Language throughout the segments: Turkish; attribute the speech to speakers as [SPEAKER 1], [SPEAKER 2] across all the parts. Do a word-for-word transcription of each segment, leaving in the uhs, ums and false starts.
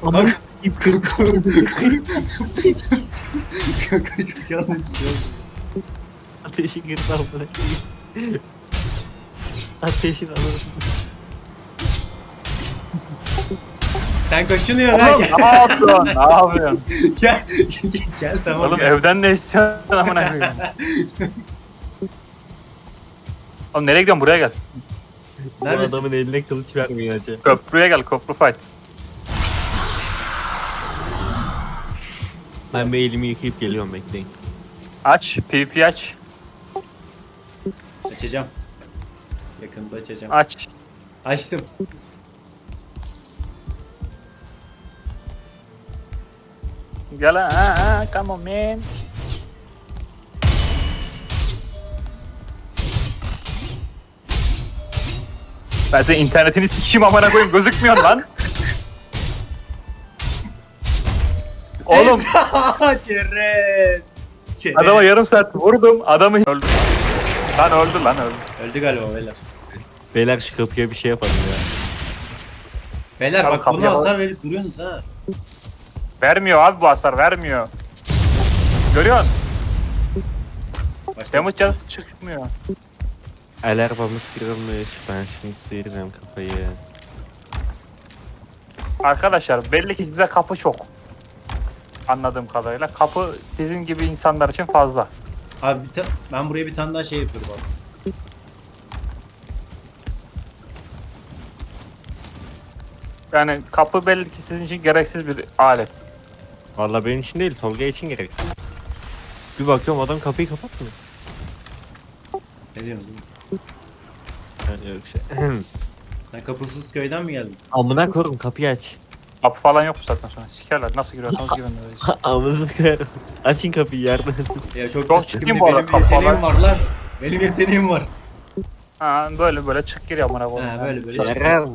[SPEAKER 1] Aman
[SPEAKER 2] Kanka kanka çok yanlış bir şey oldu.
[SPEAKER 1] ateşi kırsam bırakayım. Ateşin alırım.
[SPEAKER 2] Sen kaşınıyorsun ha.
[SPEAKER 3] Oğlum ne yapıyorsun? Ne yapıyorsun?
[SPEAKER 2] Gel, gel, gel tamam
[SPEAKER 3] Oğlum
[SPEAKER 2] gel.
[SPEAKER 3] evden ne istiyorsun amına koyayım? Oğlum nereye gidiyorsun? Buraya gel.
[SPEAKER 1] Bu
[SPEAKER 2] Neredesin?
[SPEAKER 1] adamın eline kılıç vermiyor hacı.
[SPEAKER 3] Köprüye gel. Köprü fight.
[SPEAKER 1] Ben bir elimi yıkayıp geliyorum, bekleyin.
[SPEAKER 3] Aç. PvP aç.
[SPEAKER 2] Açacağım. Yakında açacağım.
[SPEAKER 3] Aç.
[SPEAKER 2] Açtım.
[SPEAKER 3] Gel ha, ha. Come on man. Ben senin internetini sikeyim amına koyayım. Gözükmüyor lan. Oğlum
[SPEAKER 2] Çerez. Çerez.
[SPEAKER 3] adama yarım saat vurdum. Adamı öldü. Lan öldü lan öldü.
[SPEAKER 2] Öldü galiba beyler.
[SPEAKER 1] Beyler şu kapıya bir şey yapalım ya.
[SPEAKER 2] Beyler
[SPEAKER 3] Tamam,
[SPEAKER 2] bak buna
[SPEAKER 3] kapıya bak.
[SPEAKER 2] hasar verip duruyorsunuz ha.
[SPEAKER 3] Vermiyor abi bu hasar vermiyor. Görüyorsun?
[SPEAKER 2] Başka.
[SPEAKER 3] Damage canısı çıkmıyor.
[SPEAKER 1] El arabamız kırılmış. Ben şimdi sıyıracağım kafayı.
[SPEAKER 3] Arkadaşlar belli ki size kapı çok. Anladığım kadarıyla. Kapı sizin gibi insanlar için fazla.
[SPEAKER 2] Abi bir ta- ben buraya bir tane daha şey yapıyorum abi.
[SPEAKER 3] Yani kapı belli ki sizin için gereksiz bir alet.
[SPEAKER 1] Vallahi benim için değil, Tolga için gereksiz. Bir bakıyorum adam kapıyı kapatmıyor.
[SPEAKER 2] Ne diyorsun oğlum?
[SPEAKER 1] Yani yok şey.
[SPEAKER 2] Sen kapısız köyden mi geldin?
[SPEAKER 1] Amına koyayım, kapıyı aç.
[SPEAKER 3] Kapı falan yok bu saatten sonra. Sikerler nasıl giriyorsanız girin. öyle.
[SPEAKER 1] Amınızı koyarım. Açın kapıyı yardım.
[SPEAKER 2] Ya çok,
[SPEAKER 3] Çok
[SPEAKER 2] sıkıntı.
[SPEAKER 3] ciddiyim bu arada,
[SPEAKER 2] Benim bir yeteneğim
[SPEAKER 3] kafalar-
[SPEAKER 2] var lan. Benim yeteneğim var.
[SPEAKER 3] Ha böyle böyle çık gir amına koyayım.
[SPEAKER 2] Ha böyle böyle.
[SPEAKER 1] Yarar.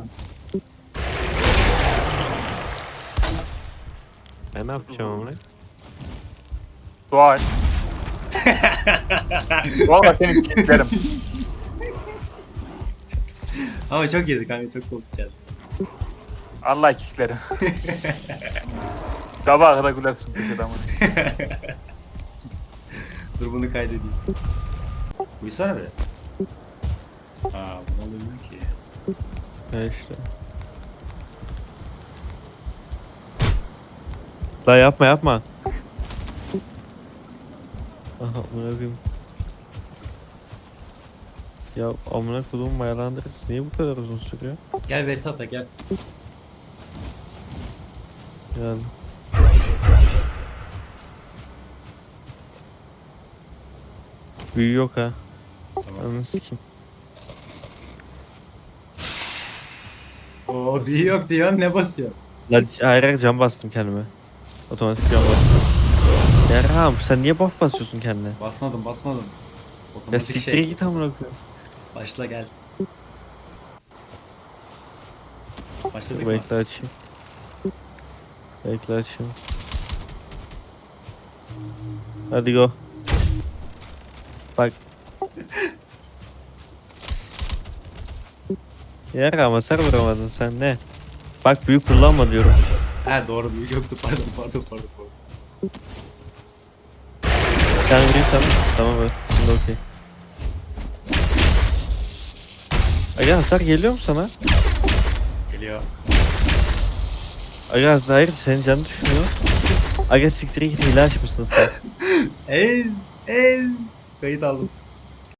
[SPEAKER 1] Ben ne yapacağım amına?
[SPEAKER 3] Dua et. Valla seni kilitlerim.
[SPEAKER 2] Ama çok iyiydi kanka, çok komik geldi.
[SPEAKER 3] Allah kilitlerim. Sabaha kadar gülersin peki adamı.
[SPEAKER 2] Dur bunu kaydedeyim. Uyusana be. Aa bunu alamıyorum ki.
[SPEAKER 1] Ya işte. La yapma yapma. Aha amına koyayım. Ya amına koyduğum mayalandırıcı niye bu kadar uzun sürüyor?
[SPEAKER 2] Gel Vesat'a gel.
[SPEAKER 1] Yani. Büyü yok ha.
[SPEAKER 2] Tamam.
[SPEAKER 1] Ananı sikeyim.
[SPEAKER 2] Oo bir yok diyorsun, ne basıyor?
[SPEAKER 1] La hayır hayır cam bastım kendime. Otomatik cam bastım. Yarham sen niye buff basıyorsun kendine?
[SPEAKER 2] Basmadım basmadım.
[SPEAKER 1] Ya
[SPEAKER 2] Otomatik
[SPEAKER 1] siktir
[SPEAKER 2] şey.
[SPEAKER 1] git amına koyayım.
[SPEAKER 2] Başla gel. Başladık mı?
[SPEAKER 1] Bekle açayım. Bekle açayım. Hadi go. Bak. Yer ama sen vuramadın sen ne? Bak büyük kullanma diyorum.
[SPEAKER 2] Ha doğru, büyük yoktu, pardon pardon pardon. pardon.
[SPEAKER 1] Sen vurursan tamam evet. Şimdi okey. Aga hasar geliyor mu sana?
[SPEAKER 2] Geliyor.
[SPEAKER 1] Aga hayır senin canın düşmüyor. Aga siktir git hile açmışsın sen.
[SPEAKER 2] Ez ez. Kayıt aldım.